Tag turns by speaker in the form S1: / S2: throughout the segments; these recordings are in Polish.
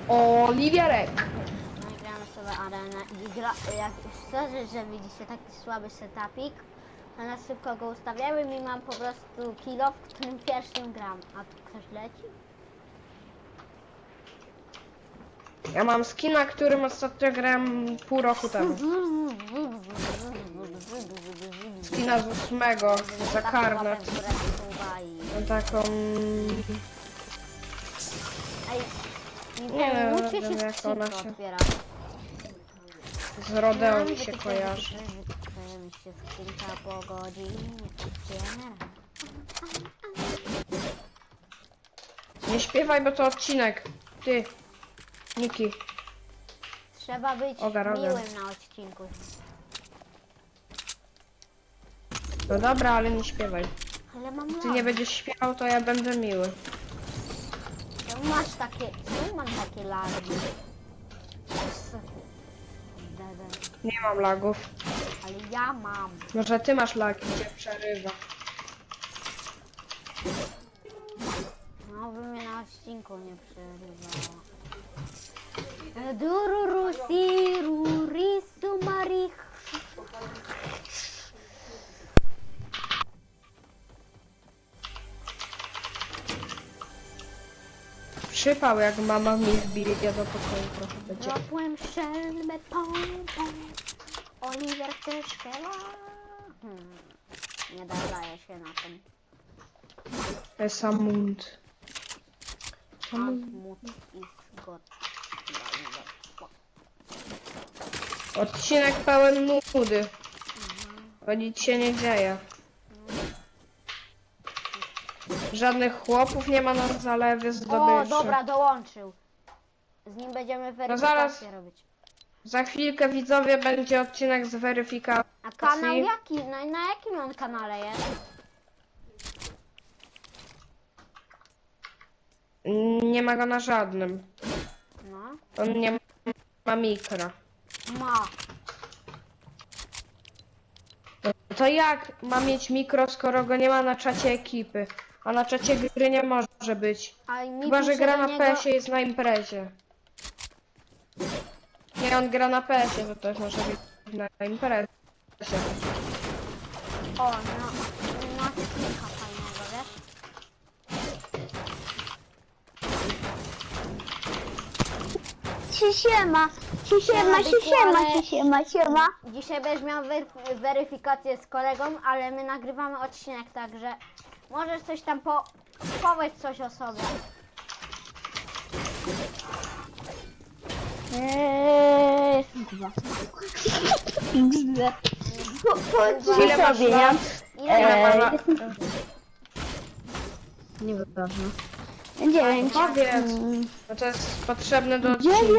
S1: Oliwierek.
S2: No i gramy sobie arenę i jak szczerze, że widzicie taki słaby setupik, to na szybko go ustawiałem i mam po prostu kilo, w którym pierwszym gram. A tu ktoś leci?
S1: Ja mam skina, którym ostatnio grałem pół roku temu. Skina z 8 za karnet. No taką...
S2: Ej,
S1: Nie wiem,
S2: musicie się
S1: jak
S2: skrzynkę
S1: ona się-
S2: otwiera.
S1: Z Rodeo mi się kojarzy.
S2: Wytworzymy się skrzynka po godzinie. Otwiera.
S1: Nie śpiewaj, bo to odcinek. Ty. Niki.
S2: Trzeba być
S1: Ogar.
S2: miłym na odcinku.
S1: No dobra, ale nie śpiewaj.
S2: Ale mam
S1: Ty nie będziesz śpiewał, to ja będę miły.
S2: Czemu masz takie... Czemu mam takie lagi?
S1: Nie mam lagów.
S2: Ale ja mam.
S1: Może ty masz lagi, gdzie przerywa.
S2: No by mnie na odcinku nie przerywało. Dururu siru risu marich.
S1: Przypał jak mama mi wbije do pokoju trochę będzie.
S2: Złapłem szelbę pompą. Oliver też śpiewa. Nie daje się na tym.
S1: Esamund.
S2: Antmut is god.
S1: Odcinek pełen nudy. Bo nic się nie dzieje. Żadnych chłopów nie ma na zalewie
S2: O,
S1: zdobyczy.
S2: dobra, dołączył. Z nim będziemy weryfikację robić.
S1: Za chwilkę widzowie będzie odcinek z weryfikacji.
S2: A kanał jaki? Na jakim on kanale jest?
S1: Nie ma go na żadnym.
S2: No.
S1: On nie ma mikra.
S2: Ma.
S1: No to jak ma mieć mikro, skoro go nie ma na czacie ekipy? A na czacie gry nie może być.
S2: A mi
S1: Chyba, że
S2: pisze
S1: gra
S2: do
S1: na
S2: niego-
S1: PS-ie, jest na imprezie. Nie, on gra na PS-ie, to też może być na imprezie.
S2: O, no. Ma kilka fajnego, wiesz?
S3: Siema, siema.
S2: Dzisiaj będziesz miał weryfikację z kolegą, ale my nagrywamy odcinek, także możesz coś tam powiedz coś o sobie.
S3: Kurwa.
S1: Ile masz
S3: sobie,
S1: lat? Ile masz lat?
S3: Nieważne. 9.
S1: Powiedz. No to jest potrzebne do odcinka.
S3: 9!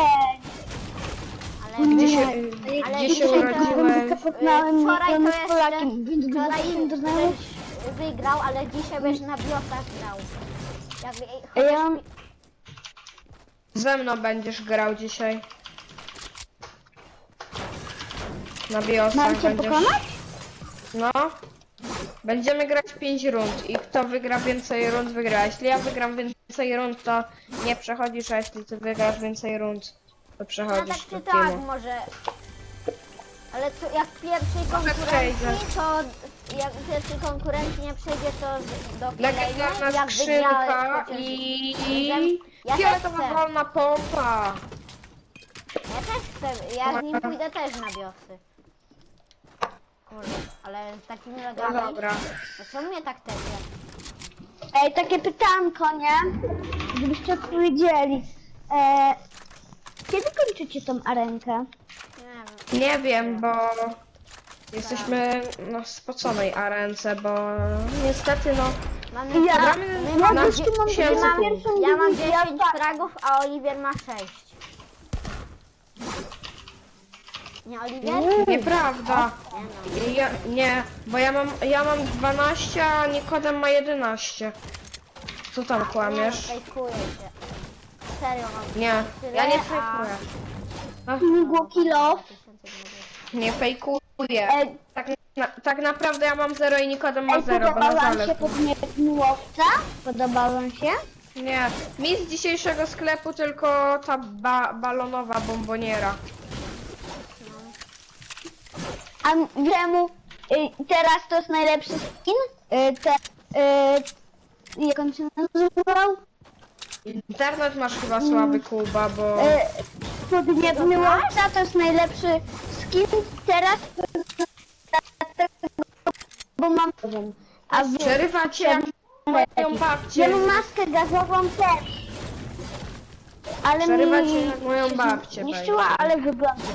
S2: Ale
S1: Gdzie się,
S2: Ale
S1: gdzie się
S2: dzisiaj to-
S1: urodziłeś?
S3: Poznałem
S2: wczoraj to
S3: z
S2: jeszcze-
S3: Polakiem, więc
S2: wczoraj
S3: wróciłem do znajomych.
S2: byś wygrał, ale dzisiaj byś na biosach grał. Jak,
S3: Ja mam...
S1: Ze mną będziesz grał dzisiaj. Na biosach
S3: Mam cię
S1: będziesz.
S3: pokonać?
S1: No. Będziemy grać 5 rund i kto wygra więcej rund, wygra. Jeśli ja wygram więcej rund, to nie przechodzisz, a jeśli ty wygrasz więcej rund, to
S2: no tak
S1: przechodzisz
S2: czy
S1: do
S2: tak
S1: teamu.
S2: może. Ale to jak pierwszej
S1: przejdzie.
S2: konkurencji, to jak pierwszej konkurencji nie przejdzie, to do
S1: Legendarna
S2: kolejnej, jak
S1: skrzynka
S2: wygrałeś chociaż-
S1: i...
S2: Ja też
S1: Fioletowa
S2: chcę.
S1: wolna pompa.
S2: Ja też chcę, ja z nim pójdę też na biosy. Kurde, ale z takimi
S1: No
S2: legami.
S1: dobra.
S2: To co mnie tak tezie?
S3: Ej, takie pytanko, nie? Gdybyście odpowiedzieli. Kiedy kończycie tą arenkę?
S2: Nie wiem.
S1: Nie wiem, bo jesteśmy na spoconej arence, bo niestety no...
S2: Mamy,
S3: Ja-
S2: my
S1: ja
S2: mamy,
S1: gościu mam
S2: ja mam,
S3: pierwszą
S2: ja mam
S3: dywizję,
S2: 10 fragów, a Oliwier ma 6. Nie, Oliwier?
S1: Nieprawda.
S2: Nie no.
S1: Nie, bo ja mam 12, a Nikodem ma 11. Co tam
S2: Nie,
S1: kłamiesz?
S2: fejkuję się. Serio mam.
S1: Nie,
S2: tyle,
S1: ja nie
S2: a-
S1: fejkuję.
S3: Migło kilo.
S1: Nie fejkuję.
S3: Ej,
S1: Tak naprawdę ja mam 0 i Nikodem ma 0, bo na
S3: podoba wam się
S1: zalew.
S3: podmiot miłowca? Podoba wam się?
S1: Nie, mi z dzisiejszego sklepu tylko ta balonowa bomboniera.
S3: A wiemu teraz to jest najlepszy skin? Jak on się nazywał?
S1: Internet masz chyba słaby, Kuba, bo...
S3: Podniebny łowca to jest najlepszy skin teraz, bo mam... A wy...
S1: Przerywa cię jak moją babcię.
S3: Ja mam maskę gazową też. Ale
S1: Przerywa
S3: mi
S1: cię jak moją babcię.
S3: niszczyła, ale wygląda.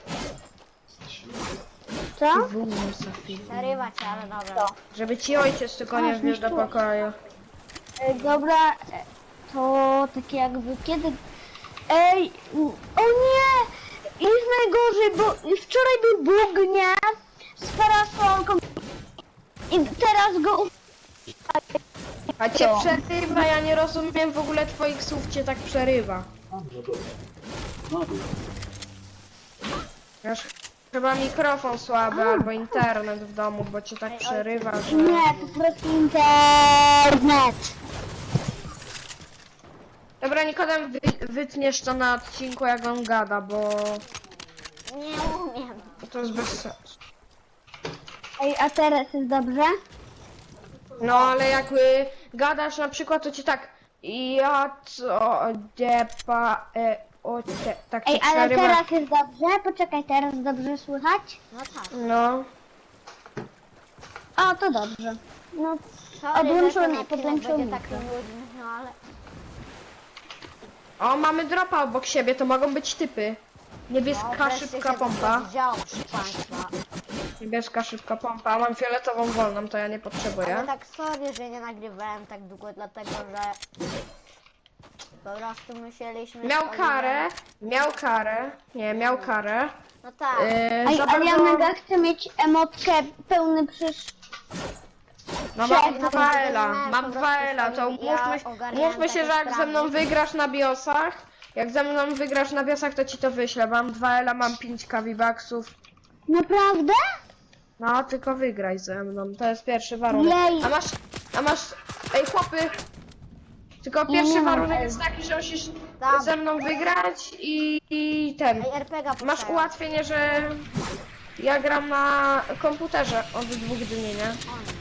S3: Co?
S2: Przerywa cię, ale dobra.
S1: Żeby ci ojciec tylko nie wbił do pokoju.
S3: Dobra, to takie jakby kiedy... Ej, o nie! Jest najgorzej, bo wczoraj był bóg, nie? Z parasolką. I teraz go...
S1: A cię przerywa, ja nie rozumiem w ogóle twoich słów, cię tak przerywa. Masz chyba mikrofon słaby albo internet w domu, bo cię tak przerywa, że...
S3: Nie, po prostu internet.
S1: Dobra, Nikodem, wytniesz to na odcinku, jak on gada, bo
S2: Nie umiem.
S1: to jest bez sensu.
S3: Ej, a teraz jest dobrze?
S1: No, ale jakby gadasz na przykład, to ci tak... Ja co... Depa... tak cię
S3: Ej, ale
S1: przerywa.
S3: teraz jest dobrze? Poczekaj, teraz dobrze słychać?
S2: No tak.
S1: No.
S3: O, to dobrze. No,
S2: Sorry,
S3: Odłączony,
S2: że ten odcinek
S3: podłączony.
S2: będzie taki nudny, no ale...
S1: O, mamy dropa obok siebie, to mogą być typy. Niebieska
S2: wreszcie
S1: szybka
S2: się
S1: pompa.
S2: to działo, proszę państwa.
S1: Niebieska szybka pompa, mam fioletową wolną, to ja nie
S2: Ale
S1: potrzebuję.
S2: tak sorry, że nie nagrywałem tak długo, dlatego że... Po prostu musieliśmy...
S1: Miał
S2: z Oliwem-
S1: karę, nie, miał karę.
S2: No tak.
S3: Ej,
S1: Za
S3: ale ja
S1: bardzo-
S3: mega chcę mieć emotkę pełny przysz...
S1: No
S3: Przed-
S1: mam 2L-a,
S2: po
S1: mam
S2: prostu
S1: 2L-a, to
S2: ja
S1: umówmy
S2: ogarniałem
S1: się, że
S2: takie
S1: jak ze mną
S2: sprawy.
S1: wygrasz na biosach, to ci to wyślę. Mam 2L-a, mam 5 V-Bucksów.
S3: Naprawdę?
S1: No, tylko wygraj ze mną, to jest pierwszy warunek.
S3: Jej.
S1: A masz, ej chłopy, tylko
S3: Nie,
S1: pierwszy
S3: nie mam
S1: warunek
S3: L.
S1: jest taki, że musisz
S2: Dobra.
S1: ze mną wygrać i ten.
S2: Ej, RPGa
S1: Masz
S2: puszczają.
S1: ułatwienie, że ja gram na komputerze od 2 dni, nie?
S2: O nie.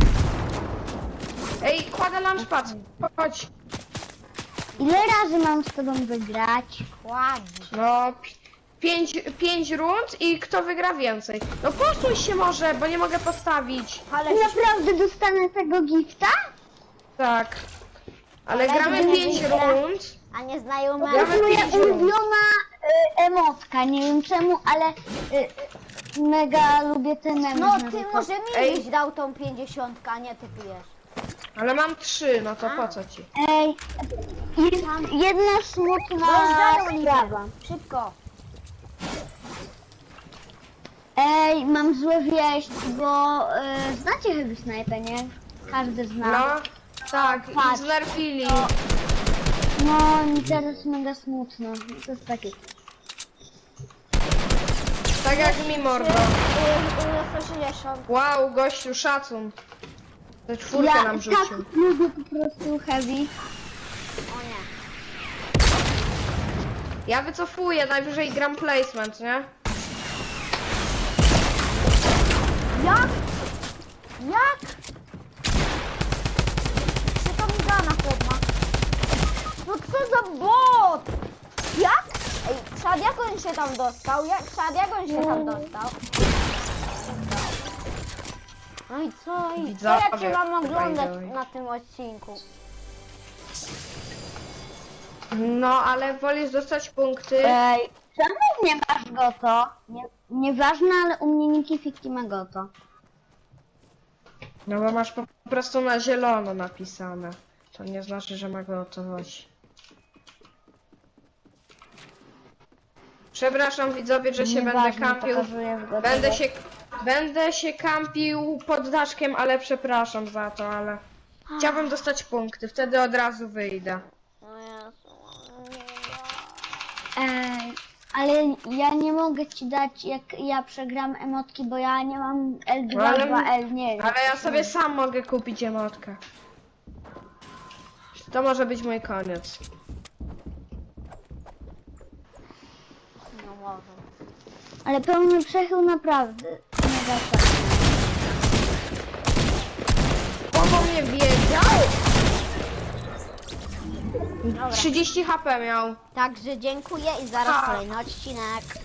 S1: Ej, kładę launchpad, chodź.
S3: Ile razy mam z tobą wygrać?
S2: Ładnie.
S1: No, 5 rund i kto wygra więcej. No posuń się może, bo nie mogę postawić.
S2: Ale
S3: I naprawdę dostanę tego gifta?
S1: Tak. Ale
S2: Ale
S1: gramy
S2: nie
S1: 5
S2: wygra.
S1: rund.
S2: A nieznajomy...
S1: Gramy
S3: To jest moja
S1: 5 rund.
S3: ulubiona emotka, nie wiem czemu, ale mega lubię ten mem.
S2: No ty może mi
S1: Ej.
S2: byś dał tą 50, a nie ty pijesz.
S1: Ale mam 3, no to po co ci?
S3: Ej, jest jedna smutna
S2: Rozdają
S3: sprawa.
S2: Szybko.
S3: Ej, mam złe wieść, bo znacie Heavy Sniper, nie? Każdy zna.
S1: No, tak, i
S3: Patrz.
S1: znerfili.
S3: No, mi teraz mega smutno. To jest takie.
S1: Tak jak mi mordo.
S2: 160.
S1: Wow, gościu, szacun. Te czwórkę nam
S3: tak
S1: rzucił.
S3: lubię po prostu Heavy.
S2: O nie.
S1: Ja wycofuję, najwyżej gram placement, nie?
S2: Jak? Jak? Co to mi da na chłopma? No co za bot? Jak? Ej, Szad, jak on się tam dostał? Szad, jak on się tam dostał? No i co? I co
S1: Widzowie,
S2: ja cię mam oglądać
S1: by the way.
S2: na tym odcinku?
S1: No, ale wolisz dostać punkty.
S3: Ej, czemu nie masz goto? Nieważne, ale u mnie Niki Fiki ma goto.
S1: No bo masz po prostu na zielono napisane. To nie znaczy, że ma gotowość. Przepraszam widzowie, że się będę
S3: Nieważne,
S1: kampił.
S3: pokazuję w gotowość.
S1: Będę się kampił pod daszkiem, ale przepraszam za to, ale chciałbym dostać punkty, wtedy od razu wyjdę.
S2: No Jezu.
S3: Ej, ale ja nie mogę ci dać, jak ja przegram emotki, bo ja nie mam L2,
S1: Ale-
S3: 2L, nie wiem.
S1: Ale ja sobie sam mogę kupić emotkę. To może być mój koniec.
S2: No może.
S3: Ale pełny przechył naprawdę. Nie da się.
S1: Kogo mnie wiedział?
S2: Dobra.
S1: 30 HP miał.
S2: Także dziękuję i zaraz
S1: Ha.
S2: kolejny odcinek.